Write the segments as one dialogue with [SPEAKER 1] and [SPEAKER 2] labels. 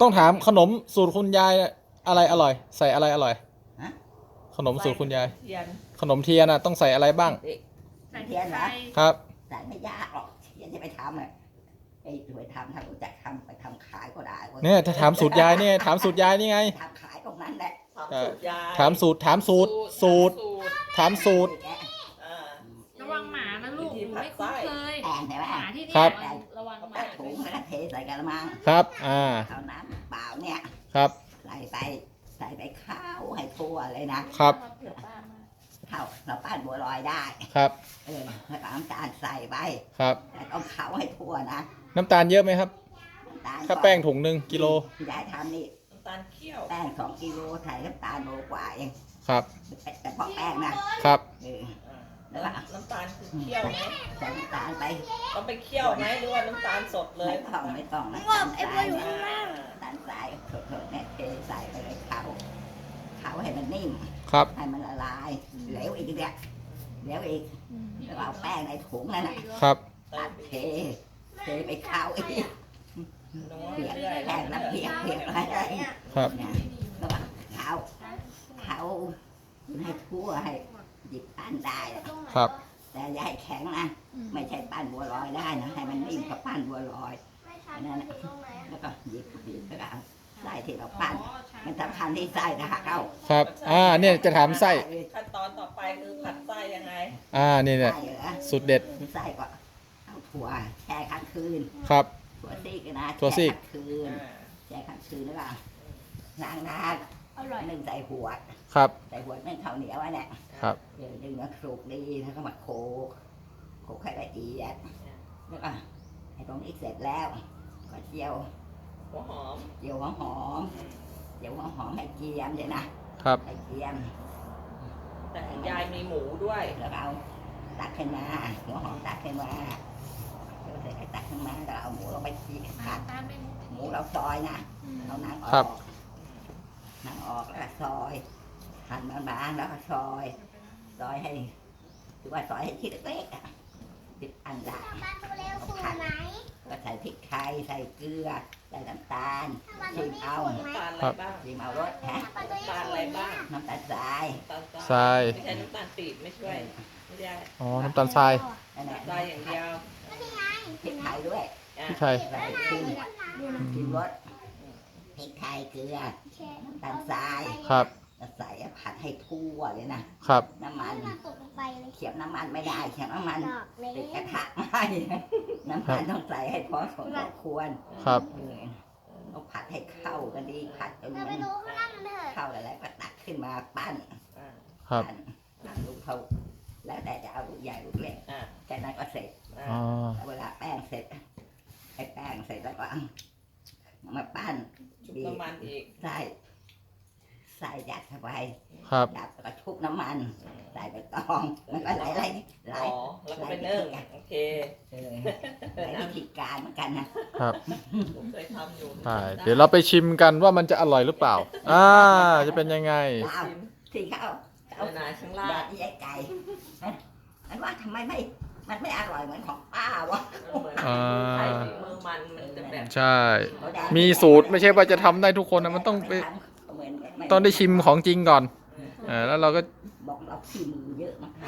[SPEAKER 1] ต้องถามขนมสูตรคุณยายอะไรอร่อยใส่อะไรอร่อย
[SPEAKER 2] ฮะ
[SPEAKER 1] ขนมสูตรคุณยาย
[SPEAKER 3] เทียน
[SPEAKER 1] ขนมเทียนน่ะต้องใส่อะไรบ้าง
[SPEAKER 4] ใส่
[SPEAKER 2] เทียนเหรอ
[SPEAKER 1] ครับ
[SPEAKER 2] แต่ไม่ยากหรอกเทียนจะไปทำอ่ะไอ้ไปทำถ้ารู้จักทำไปทำขายก็ได้ว้
[SPEAKER 1] เนี่ยถ้าถามสูตรยายเนี่ยถามสูตรยายนี่ไง
[SPEAKER 2] ทำขายตรงนั้นแหละ
[SPEAKER 3] ถามสูตรยาย
[SPEAKER 1] ถามสูตรถามสูตรสูตรถามสูตร
[SPEAKER 3] อ่า
[SPEAKER 4] ระวังหมานะลูกหนูไม่คุ้นเคย
[SPEAKER 2] แอนใช่ไหม
[SPEAKER 4] หมาที่นี่
[SPEAKER 1] ครับ
[SPEAKER 4] ระวังห
[SPEAKER 2] ตั
[SPEAKER 4] มา
[SPEAKER 2] ดถุงแล้วก็เทใส่กระมัง
[SPEAKER 1] ครับเอา
[SPEAKER 2] น้ำเปล่าเนี่ย
[SPEAKER 1] ครับ
[SPEAKER 2] ใส่ไปข้าวให้ทั่วเลยนะครับ
[SPEAKER 4] เผื่อป้ามา
[SPEAKER 2] ข้าวเราปั้นบัวลอยได้
[SPEAKER 1] ครับ
[SPEAKER 2] แล้วก็น้ำตาลใส่ไป
[SPEAKER 1] ครับ
[SPEAKER 2] แต่ต้องเข้าให้ทั่วนะ
[SPEAKER 1] น้ำตาลเยอะไหมครับ
[SPEAKER 2] น้ำตาล
[SPEAKER 1] ถ้าแป้งถุงหนึ่งกิโล
[SPEAKER 2] ยายทำนี่
[SPEAKER 3] น้ำตาลเคี่ยว
[SPEAKER 2] แป้ง2 กิโลใส่น้ำตาลโลกว่าเอง
[SPEAKER 1] ครับ
[SPEAKER 2] แต่พอแป้งนะครับ
[SPEAKER 3] อ่า
[SPEAKER 2] แล้วก็
[SPEAKER 3] น้ำตาลคือเคี่ยวไหม
[SPEAKER 2] ใส่น้ำตาลไป
[SPEAKER 3] ต้องไปเคี่ยวไหมหรือว่าน้ำตาลสดเลย
[SPEAKER 2] ไม่ต้องน้ำตาลทรายเนี่ย
[SPEAKER 3] อ่า
[SPEAKER 2] น้ำตาลทรายสดๆเนี่ยเทใส่ไปเลยเขาให้มันนิ่ม
[SPEAKER 1] ครับ
[SPEAKER 2] ให้มันละลายเหลวอีกเนี่ยเหลวอีกแล้วก็เอาแป้งในถุงนั่นน่ะ
[SPEAKER 1] ครับ
[SPEAKER 2] ตัดเทไปเข้าอีก
[SPEAKER 3] น้อง
[SPEAKER 2] เปียก
[SPEAKER 3] เรื่อย
[SPEAKER 2] แป้งแล้วเปียกอะไร
[SPEAKER 1] ครับ
[SPEAKER 2] เนี่ยแล้วก็เขาให้ทั่วให้หยิบปั้นได้
[SPEAKER 1] ครับ
[SPEAKER 2] แต่อย่าให้แข็งนะไม่ใช่ปั้นบัวลอยได้นะให้มันนิ่มกับปั้นบัวลอยนั่นนะแล้วก็หยิบแล้วก็เอาไส้ที่เราปั้นมันสำคัญที่ไส้นะคะเอา
[SPEAKER 1] ครับเนี่ยจะถามไส้
[SPEAKER 3] ขั้นตอนต่อไปคือผัดไส้ยังไง
[SPEAKER 1] นี่เนี่ย
[SPEAKER 2] ไส้เหรอ
[SPEAKER 1] สูตรเด็ด
[SPEAKER 2] ไส้ก็เอาถั่วแช่ค้างคืน
[SPEAKER 1] ครับ
[SPEAKER 2] ถั่วซีกนะ
[SPEAKER 1] ถั่วซีก
[SPEAKER 2] แช่ค้างคืน
[SPEAKER 3] อ่า
[SPEAKER 2] แช่ค้างคืนแล้วก็ล้างน้
[SPEAKER 4] อร่อย
[SPEAKER 2] ำนึ่งใส่หัวด
[SPEAKER 1] ครับ
[SPEAKER 2] ใส่หัวดนึ่งข้าวเหนียวไว้เนี่ย
[SPEAKER 1] ครับ
[SPEAKER 2] เดี๋ยวดึงมาคลุกดีแล้วก็มาโขกให้ละเอียดแล้วก็ให้ตรงนี้เสร็จแล้วก็เจียว
[SPEAKER 3] หัวหอม
[SPEAKER 2] เจียวหอมให้เจียมเลยนะครับ ให้เจียม
[SPEAKER 3] แต่ของยายมีหมูด้วย
[SPEAKER 2] แล้วเอาตักขึ้นมาหัวหอมตักขึ้นมาเดี๋ยวเสร็จก็ตักขึ้นมาแล้วเอาหมูลงไปจีผัด
[SPEAKER 4] ป้าไม่มุก
[SPEAKER 2] หมูเราซอยนะเอาหนังอ
[SPEAKER 1] ครั
[SPEAKER 2] อบ กหนังออกแล้วก็ซอยหั่นบางๆแล้วก็ซอยให้ถือว่าซอยให้ชิ้นเล็กๆอ่ะติดอันละผัดก็ใส่พริกไทยใส่เกลือใส่น้ำตาลชิมเอา
[SPEAKER 3] น้ำตาลอะไรบ้าง
[SPEAKER 2] ชิมเอารสฮะ
[SPEAKER 3] น้ำตาลอะไรบ้าง
[SPEAKER 2] น้ำตาลทราย
[SPEAKER 3] น้ำตาล
[SPEAKER 1] ทราย
[SPEAKER 3] ไม่ใช่น้ำตาลปี๊บไม่ช่วยไม่ได้
[SPEAKER 1] อ๋อ น้ำตาลทราย
[SPEAKER 2] นั่นแหละ
[SPEAKER 3] ทรายอย่างเดียว
[SPEAKER 2] พริกไทยด้วย
[SPEAKER 3] อ่ะ
[SPEAKER 1] พี่ไทย
[SPEAKER 2] ใส่ชิมรสพริกไทยเกลือน้ำตาลทราย
[SPEAKER 1] ครับ
[SPEAKER 2] แล้วใส่ผัดให้ทั่วเลยนะครับ น้ำมัน
[SPEAKER 5] ตกลงไปเลย
[SPEAKER 2] เขียบน้ำมันไม่ได้เขียบน้ำมัน
[SPEAKER 5] ดอกเล็
[SPEAKER 2] ติดกระ
[SPEAKER 5] ก
[SPEAKER 2] ทะไม่น้ำมันต้องใส่ให้พอสมควร
[SPEAKER 1] ครับ
[SPEAKER 2] ต้องผัดให้เข้ากันดีผัดจน
[SPEAKER 5] เรา
[SPEAKER 2] มั
[SPEAKER 5] ไป
[SPEAKER 2] น
[SPEAKER 5] ดูข้างล่างกันเถอะ
[SPEAKER 2] เข้าแล้วก็ตักขึ้นมาปั้น
[SPEAKER 3] อ่ะ
[SPEAKER 1] ครับ
[SPEAKER 2] ปั้นลูกเขาแล้วแต่จะเอาลูกใหญ่ลูกเล็ก
[SPEAKER 3] อ่ะ
[SPEAKER 2] แค่นั้นก็เสร็จ
[SPEAKER 3] อ่ะ
[SPEAKER 1] อ๋อ
[SPEAKER 2] เวลาแป้งเสร็จไอ้แป้งเสร็จแล้วก็เอามาปั้น
[SPEAKER 3] ชุบน้ำมันอีก
[SPEAKER 2] ใส่ยัดเข้าไป
[SPEAKER 1] ครับ
[SPEAKER 2] ยัดแล้วก็ชุบน้ำมันใส่ใบตองมันก็ไหล
[SPEAKER 3] อ๋อแล้วก็ไปนึ่งโอเค
[SPEAKER 2] หลายวิธีการเหมือนกันนะครับ
[SPEAKER 3] ผมเคยทำอยู่
[SPEAKER 1] ใช่เดี๋ยวเราไปชิมกันว่ามันจะอร่อยหรือเปล่า จะเป็นยังไง
[SPEAKER 2] ดาวที่เขา
[SPEAKER 3] เอาหนาข้างล่า
[SPEAKER 2] แบ
[SPEAKER 3] ง
[SPEAKER 2] บนี้ไอ้ไก่มันว่าทำไมมันไม่อร่อยเหมือนของป้าวะ
[SPEAKER 3] เหมือน
[SPEAKER 1] อ่า
[SPEAKER 3] ไข่ฝีมือมันจะแบบ
[SPEAKER 1] ใช่ มีสูตรไม่ใช่ว่าจะทำได้ทุกคนนะมันต้องไปต้องได้ชิมของจริงก่อนแล้วเราก็
[SPEAKER 2] บอกเราขี้มือเยอะมาก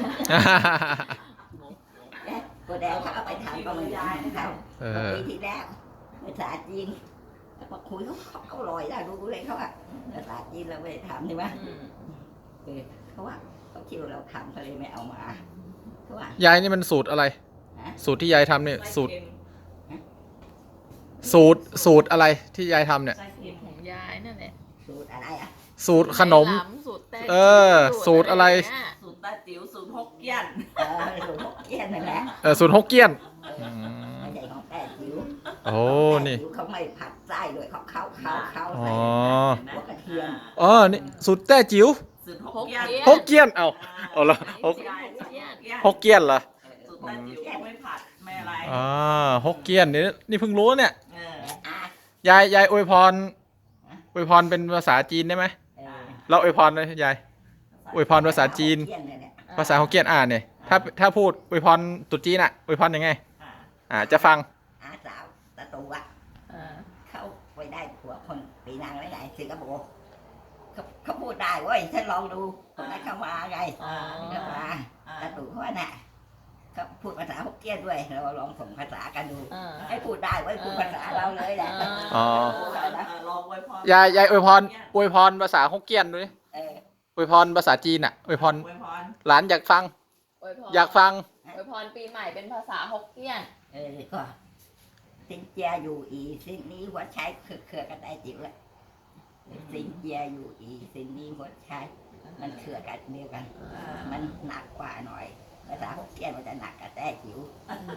[SPEAKER 2] ก็แดงเขาเอาไปทำก็เหมือนกันเขาปีที่แล้วภาษาจีนแล้วมาคุยเขาอร่อยได้รู้เลยเขาอะภาษาจีนเราไม่ได้ทำใช่ไหม เขาว่าเขาคิดว่าเราทำเขาเลยไม่เอามาเขาว่าย
[SPEAKER 1] ายนี่มันสูตรอะไร สูตรที่ยายทำเนี่ย
[SPEAKER 3] ไส้
[SPEAKER 1] สูตร
[SPEAKER 3] เค็ม
[SPEAKER 1] สูตรอะไรที่ยายทำเนี่ย
[SPEAKER 3] ไส้เค็ม
[SPEAKER 4] ของยายนั่นแหละ
[SPEAKER 2] สูตรอะไรอ่ะ
[SPEAKER 1] สูตรขนม
[SPEAKER 4] ไหลำสูตรแต้
[SPEAKER 1] สูตรอะไร
[SPEAKER 3] สูตรตาจิ๋วสูตรฮกเกี้ยน
[SPEAKER 2] สูตรฮกเกี้ยนนั่นแหละ
[SPEAKER 1] สูตรฮกเกี้ยน
[SPEAKER 2] ไม่ใช่ของแป้จิ๋ว
[SPEAKER 1] โอ้นี่
[SPEAKER 2] แป้จิ๋วเขาไม่ผัดไส้ด้วยเขาเข้า
[SPEAKER 1] อ๋
[SPEAKER 2] ใส่
[SPEAKER 1] อ
[SPEAKER 2] หัวกระเทียม
[SPEAKER 1] นี่สูตรแต้จิ๋ว
[SPEAKER 3] สูตรฮกเกี้ยน
[SPEAKER 1] ฮกเกี้ยนเอาละฮก ฮกเกี้ยนเหรอ
[SPEAKER 3] สูตรตาจิ๋วไม่ผัดไม่อะไร
[SPEAKER 1] ฮกเกี้ยนนี่เพิ่งรู้เนี่ย
[SPEAKER 3] เออ
[SPEAKER 2] อ่ะ
[SPEAKER 1] ยายอวยพรเป็นภาษาจีนได้ไหม เราอวยพรเลยยาย อวยพรภาษาจีน
[SPEAKER 2] เกี้ยเลยเนี่ย
[SPEAKER 1] ภาษาฮกเกี้ยนเนี่ยถ้าพูดอวยพรตรุษจีนอวยพรยังไง
[SPEAKER 3] อ่ะ
[SPEAKER 1] จะฟัง
[SPEAKER 2] อาสาวตะตูอ่ะ
[SPEAKER 4] อ่า
[SPEAKER 2] เขาเวได้ผัวคนปีนางไว้ไหนสิงคโปร์เขาพูดได้เว้ยฉันลองดูคนนั้นเข้ามาไง
[SPEAKER 3] อ่า
[SPEAKER 2] เข้ามาตาตู่เขาว่าน่ะเขาพูดภาษาฮกเกี้ยนด้วยเราลองส่งภาษากันดูให้พูดได้เว้ยพูดภาษาเราเลยแหละ
[SPEAKER 1] อ๋อ
[SPEAKER 3] ลองไว้พอย
[SPEAKER 1] ายอวยพรอวยพรภาษาฮกเกี้ยนดูดิ
[SPEAKER 2] เออ
[SPEAKER 1] อวยพรภาษาจีนอ่ะอวยพร
[SPEAKER 3] ไว้พร
[SPEAKER 1] หลานอยากฟัง
[SPEAKER 5] อวยพร
[SPEAKER 1] อยากฟัง
[SPEAKER 5] อวยพรปีใหม่เป็นภาษาฮกเกี้ยน
[SPEAKER 2] ก็สินเจียอยู่อีสิ่งนี้หัวใช้เครือกันได้จิ๋วแหละสินเจียอยู่อีสิ่งนี้หัวใช้มันเครือกันเดียวกัน มันหนักกว่าหน่อยภาษาฮกเกี้ยนมันจะหนักกับแต้จิ๋ว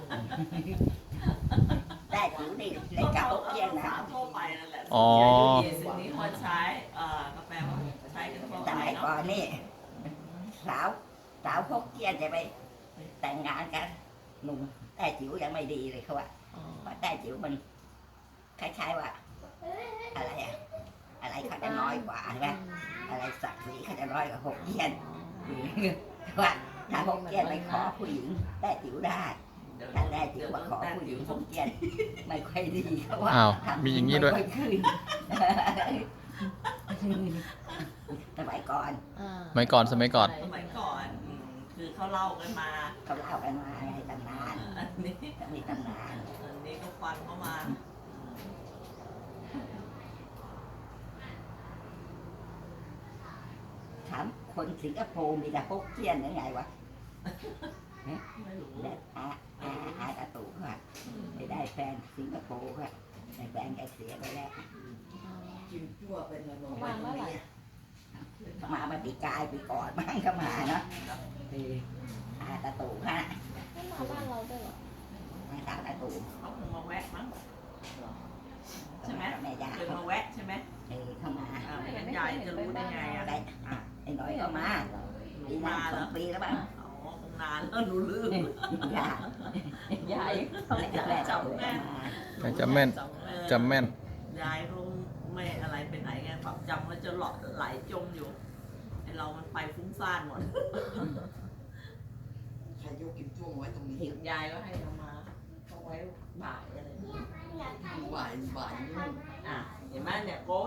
[SPEAKER 2] แต้จิ๋วนี่เล่นกับฮกเกี้ยนนะ
[SPEAKER 3] สาวทั่วไปนั่นแหละ
[SPEAKER 1] อ๋อ
[SPEAKER 3] สิ่งนี้คนใช้ก็แปลว่าใช้กันทั่ว
[SPEAKER 2] ส
[SPEAKER 3] ไป
[SPEAKER 2] มัย
[SPEAKER 3] เนาะ
[SPEAKER 2] ก่อนนี่สาวฮกเกี้ยนจะไปแต่งงานกันหนุ่มแต้จิ๋วยังไม่ดีเลยเขาว่าเพราะแต้จิ๋วมันคล้ายๆว่าอะไรอะอะไรเขาจะน้อยกว่าใช่ไหมอะไรศักดิ์ศรีเขาจะน้อยกว่าฮกเกี้ยนว่าถ้าฮกเกี้ยนไปขอผู้หญิงแต้จิ๋วได้ถ้าแต้จิ๋วมาขอผู้หญิงฮกเกี้ยนไม่ค่อยดีเขาว่า
[SPEAKER 1] อ้าว
[SPEAKER 2] ทำ
[SPEAKER 1] มีอย่างนี้ด้วย
[SPEAKER 2] ไม่ค่อขึ้นสมัยก่อน
[SPEAKER 1] สมัยก่อน
[SPEAKER 3] สมัยก่อนคือเขาเล่ากันมา
[SPEAKER 2] เขาเล่ากันมาไงตำนาน
[SPEAKER 3] อันนี้
[SPEAKER 2] จะมีตำนาน
[SPEAKER 3] อันนี้ก็ฟังเข้ามา
[SPEAKER 2] ถามคนสิงคโปร์มีแต่ฮกเกี้ยนยังไงวะ
[SPEAKER 3] ไม่รู้
[SPEAKER 2] และอาตาตู่ค่ะไปได้แฟนสิงคโปร์ค่ะแต่แฟนแกเสียไปแล้ว
[SPEAKER 3] กินชั่วเป็นเงิน
[SPEAKER 5] ประมาณเมื่อไหร่
[SPEAKER 2] เขามาปีกายปีก่อนมั้งเขามาเนาะอาตาตู่ค่ะ
[SPEAKER 5] ไม่มาบ้านเราด้วยเหรอ
[SPEAKER 2] มาตามตาตู่
[SPEAKER 3] เขาคงมาแวะมั้ง ใช่ไหม
[SPEAKER 2] แม่ยา
[SPEAKER 3] เคยมาแวะใช่ไหม
[SPEAKER 2] เข้ามา
[SPEAKER 3] ไม่งั้นยายจะรู้ได้ไงอ่ะ
[SPEAKER 2] ได้ไอ้น้อยก็มาปีหน้า
[SPEAKER 3] มา
[SPEAKER 2] ส
[SPEAKER 3] แล้
[SPEAKER 2] อ
[SPEAKER 3] ว
[SPEAKER 2] งปีแล้วบ้าง
[SPEAKER 3] อ๋อคงนานแล้วหนูลืม
[SPEAKER 2] ยา
[SPEAKER 5] ใหญ่
[SPEAKER 2] แม่จำแม่มา
[SPEAKER 1] จำแม่นจำแม่น
[SPEAKER 3] ยายเขาไม่อะไรไปไหนไงความจำมันจะไหลจมอยู่ไอเรามันไปฟุ้งซ่านหมด
[SPEAKER 6] ใครยกกิมจ้วงไว้ตรงนี้
[SPEAKER 3] ยายก็ให้เอามาเขาไว้บ่ายอะไร
[SPEAKER 6] บ่ายนู่น
[SPEAKER 3] อ่ะเห็นไหมเนี่ยโก้